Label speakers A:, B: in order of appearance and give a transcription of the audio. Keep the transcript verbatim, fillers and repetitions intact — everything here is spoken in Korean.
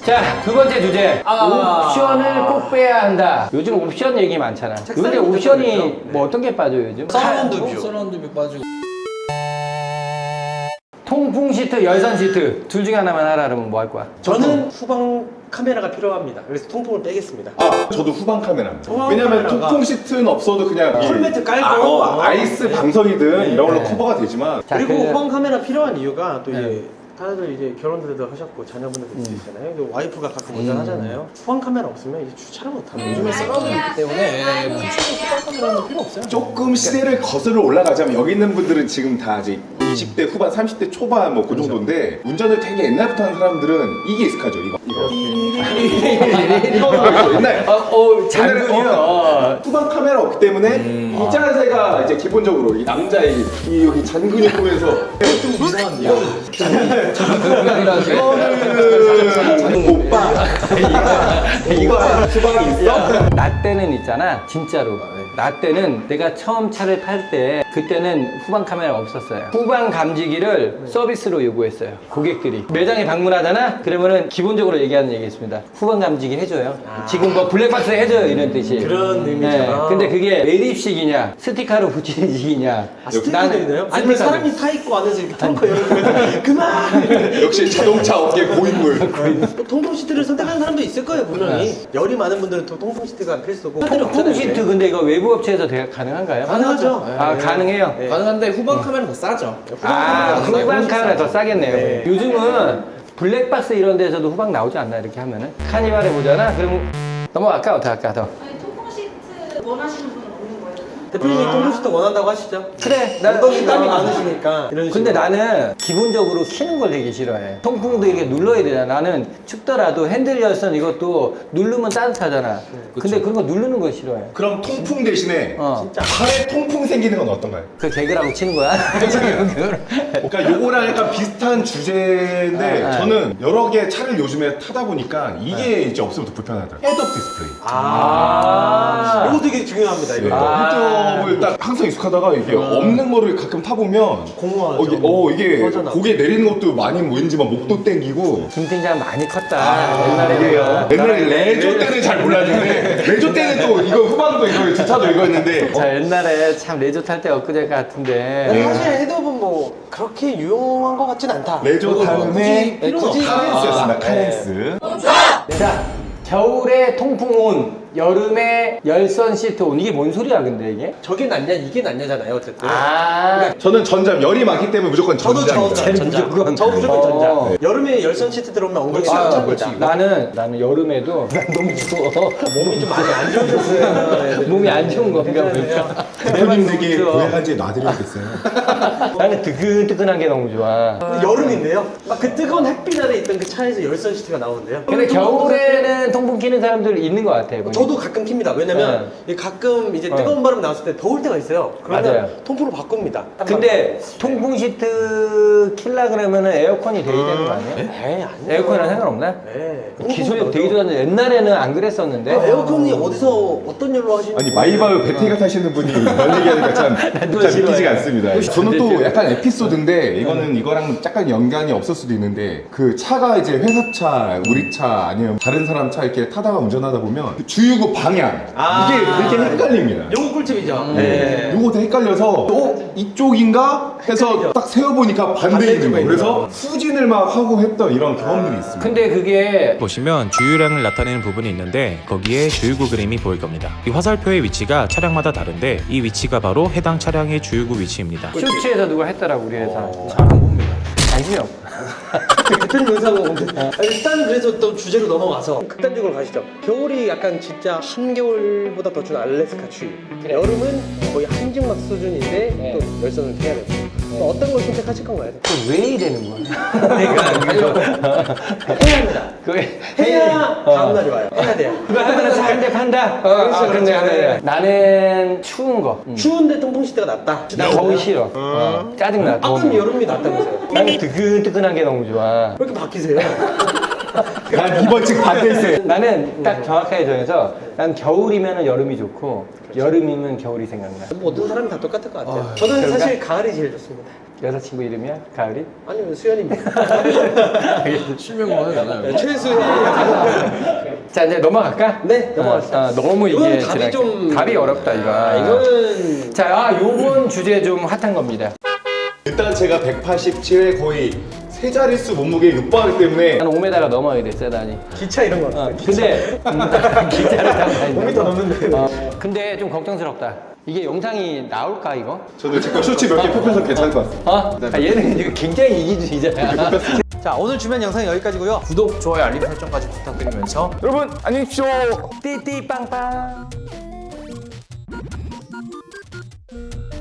A: 자, 두 번째 주제.
B: 아.
A: 옵션을 꼭 빼야 한다. 요즘 옵션 얘기 많잖아. 요새 옵션이 뭐 어떤 게 빠져요, 요즘?
B: 서라운드 뷰.
C: 서라운드 뷰 빠지고.
A: 통풍 시트, 열선 시트. 둘 중에 하나만 하라 그러면 뭐 할 거야?
B: 저는 후방 카메라가 필요합니다. 그래서 통풍을 빼겠습니다.
D: 아, 저도 후방 카메라입니다.
B: 후방
D: 왜냐면
B: 카메라가-
D: 통풍 시트는 없어도 그냥 이-
B: 컬매트 깔고
D: 아, 어,
B: 어.
D: 아이스 방석이든
A: 네.
D: 이런 걸로
A: 네.
D: 커버가 되지만
A: 자,
B: 그리고
A: 그-
B: 후방 카메라 필요한 이유가 또
A: 네.
B: 이제 다들 이제 결혼들도 하셨고 자녀분들도
A: 음.
B: 있으시잖아요. 근데 와이프가 가끔 운전하잖아요. 후방 카메라 없으면 이제 주차를 못 합니다.
C: 요즘에 서라운드 있기 때문에 굳이 후방 카메라는 필요 없어요.
D: 조금 시대를 거슬러 올라가자면 여기 있는 분들은 지금 다 이제 이십 대 후반, 삼십 대 초반 뭐 그 정도인데 운전을 되게 옛날부터 하는 사람들은 이게 익숙하죠. 이거 이거 이거 옛날
A: 어, 어, 장군이요.
D: 어, 후방 카메라 없기 때문에 이 자세가 이제 기본적으로 이 남자의 이 여기 잔근이 보면서 좀 이상한데요. 이거는 오빠 이거 후방이 있어?
A: 나 때는 있잖아, 진짜로. 나 때는 내가 처음 차를 탈 때 그때는 후방 카메라 없었어요. 후방 감지기를 서비스로 요구했어요. 고객들이 매장에 방문하잖아. 그러면은 기본적으로 얘기하는 얘기 있습니다. 후방 감지기 해줘요. 지금 뭐 블랙박스 해줘요 이런 뜻이.
B: 그런 의미잖아.
A: 근데 그게 매립식이냐 스티커로 붙이는 식이냐.
B: 아, 스티커도 있나요? 아니면
A: 스티커도.
B: 사람이 타 있고 안에서 이렇게 텅커 열고 그만!
D: 역시 자동차 업계 고인물.
B: 또 통풍 시트를 선택하는 사람도 있을 거예요 분명히. 열이 많은 분들은 또 통풍 시트가 필수고.
A: 통풍 시트 근데 이거 외부 업체에서 대- 가능한가요?
B: 가능하죠.
A: 아
B: 네.
A: 가능해요.
B: 네.
C: 가능한데 후방 카메라는 더 싸죠.
A: 아,
C: 후방
A: 후방 카메라 더 싸겠네요.
B: 네.
A: 요즘은 블랙박스 이런 데서도 후방 나오지 않나, 이렇게 하면은? 카니발에 보잖아? 그럼 넘어갈까? 어떻게 할까? 더.
E: 아니, 통풍 시트 원하시는 분은 없는 거예요?
B: 대표님이 통풍 시트 원한다고 하시죠?
A: 그래,
B: 엉덩이 땀이 많으시니까 이런
A: 근데
B: 식으로.
A: 나는 기본적으로 키는 걸 되게 싫어해. 통풍도 이렇게 눌러야 되잖아. 나는 춥더라도 핸들 열선 이것도 누르면 따뜻하잖아. 근데 그런 거 누르는 거 싫어해.
D: 그럼 통풍 대신에
A: 어.
D: 팔에 통풍 생기는 건 어떤가요?
A: 그 개그라고 치는 거야? 지금 그걸.
D: 그러니까 요거랑 약간 비슷한 주제인데
A: 아, 아.
D: 저는 여러 개 차를 요즘에 타다 보니까 이게 이제 없으면 더 불편하더라고요. 헤드업 디스플레이.
B: 아, 이거 되게 중요합니다. 이거.
A: 아.
D: 헤드업을 딱 항상 익숙하다가 이게 없는 거를 가끔 타보면
B: 공허하죠.
D: 어, 이게, 어, 이게
B: 허전하고.
D: 고개 내리는 것도 많이 왠지 막 목도 땡기고
A: 김 팀장 많이 컸다.
D: 아,
A: 옛날에
D: 이게요. 옛날에 레조 때는 잘 몰랐는데 레조 때는 또 이거 후방도 이거 주차도 이거 했는데
A: 자, 옛날에 참 레저 탈 때 엊그제 같은데.
B: 근데 사실 헤드업은 뭐 그렇게 유용한 것 같진 않다.
D: 레조 다음에
B: 굳이 필요는 없다.
D: 카렌스였습니다. 카렌스.
A: 자, 겨울에 통풍 온, 여름에 열선 시트 온. 이게 뭔 소리야, 근데 이게?
B: 저게 낫냐 이게 낫냐잖아요 어쨌든.
A: 아,
D: 저는 전자 열이 많기 때문에 무조건
B: 저도
D: 전자입니다.
B: 저 전자.
A: 무조건.
B: 저 무조건
A: 어.
B: 전자.
A: 네.
B: 여름에 열선 시트 들어오면 엉덩이
A: 아,
B: 깜짝
A: 그렇지.
B: 놀다.
A: 나는, 나는 여름에도 난 너무 추워.
B: 몸이 좀 많이 안 좋으셨어요.
A: 몸이 안 좋은 건가 보니까.
D: 대표님에게
A: 추워.
D: 고해한지 놔드려야겠어요.
A: 나는 뜨끈뜨끈한 게 너무 좋아.
B: 근데 여름인데요. 막 그 뜨거운 햇빛 아래 있던 그 차에서 열선 시트가 나오는데요.
A: 근데 겨울에는 통풍 키는 사람들 있는 것 같아. 보니까.
B: 저도 가끔 킵니다. 왜냐면 이 가끔 이제 뜨거운 바람 나왔을 때 더울 때가 있어요. 그러면
A: 맞아요.
B: 통풍으로 바꿉니다.
A: 근데 통풍 시트 킬라 그러면은 에어컨이 돼야 되는 거 아니에요?
B: 에이 아니요.
A: 에어컨이랑 상관없나?
B: 네.
A: 기술이 되게 좋았는데 옛날에는 안 그랬었는데.
B: 아, 에어컨이 어디서 어떤 일로 하시는
D: 아니 마이바흐 배터리가 타시는 분이 이런 얘기하니까 참, 참
A: 싫어해.
D: 믿기지가 않습니다. 저는 또
A: 싫어해.
D: 약간 에피소드인데 이거는 이거랑 약간 연관이 없을 수도 있는데 그 차가 이제 회사차, 우리 차 아니면 다른 사람 차 이렇게 타다가 운전하다 보면 그 주유구 방향
B: 아.
D: 이게 되게 헷갈립니다.
B: 요거 꿀팁이죠.
D: 네. 요거 헷갈려서 어? 이쪽인가? 해서
B: 헷갈리죠.
D: 딱 세어보니까 반대에 있는 거예요. 그래서 후진을 막 하고 했던 이런 경험들이 있습니다.
A: 근데 그게
F: 보시면 주유량을 나타내는 부분이 있는데 거기에 주유구 그림이 보일 겁니다. 이 화살표의 위치가 차량마다 다른데 이 위치가 바로 해당 차량의 주유구 위치입니다.
A: 쇼츠에서 누가 했더라고 우리 회사.
C: 잘 안 봅니다.
A: 관심이 없어.
B: 대표님 영상은 오는데 일단 그래서 또 주제로 넘어가서 극단적으로 가시죠. 겨울이 약간 진짜 한겨울보다 더 추운 알래스카 추위. 여름은 거의 한증막 수준인데
A: 네.
B: 또 열선을 해야 되고. 또 어떤 걸 선택하실 건가요?
A: 왜 이러는 거야?
B: 그러니까 해야 합니다.
A: 그게
B: 해야
A: 어.
B: 다음 날이 와요. 해야 돼요.
A: 그거 하면은 잘한대 판다. 어,
B: 그렇죠,
A: 아, 근데
B: 그렇죠.
A: 하네. 나는 추운 거. 음.
B: 추운데 통풍 시트가 낫다.
A: 나 더위 싫어. 어. 짜증나.
B: 아까는
A: 더위.
B: 여름이 낫다면서요.
A: 나는 뜨끈뜨끈한 게 너무 좋아.
B: 왜 이렇게 바뀌세요?
D: 난 이번 측 반대 있어요.
A: 나는 딱 정확하게 정해서 난 겨울이면 여름이 좋고 여름이면 겨울이 생각나.
B: 모든 사람이 다 똑같을 것 같아요. 저는
A: 그런가?
B: 사실 가을이 제일 좋습니다.
A: 여자친구 이름이야? 가을이?
B: 아니요, 수현입니다.
C: 실명만 하잖아요.
B: 최수현.
A: 자 이제 넘어갈까?
B: 네, 넘어갑시다.
A: 아, 아, 너무
B: 이거는
A: 이게
B: 답이
A: 지나-
B: 좀-
A: 답이 어렵다 이거.
B: 아, 이거는
A: 자, 아, 요번 주제 좀 핫한 겁니다.
D: 일단 제가 백팔십칠 회 거의 세 자릿수 몸무게에 육박하기 때문에
A: 한 오 미터가 넘어야 돼, 세단이.
B: 기차 이런 거.
A: 어, 근데 음, 기차를 타고 다닌다.
B: 오 미터 넘는데.
A: 어, 근데 좀 걱정스럽다. 이게 영상이 나올까 이거?
D: 저도 지금 쇼츠 몇 개 뽑혀서 괜찮을 것 같습니다.
A: 어? 아, 얘는 이거 굉장히 이기주의자야.
B: 자, 오늘 준비한 영상은 여기까지고요.
C: 구독, 좋아요, 알림 설정까지 부탁드리면서
D: 여러분 안녕히 계십시오.
A: 띠띠빵빵.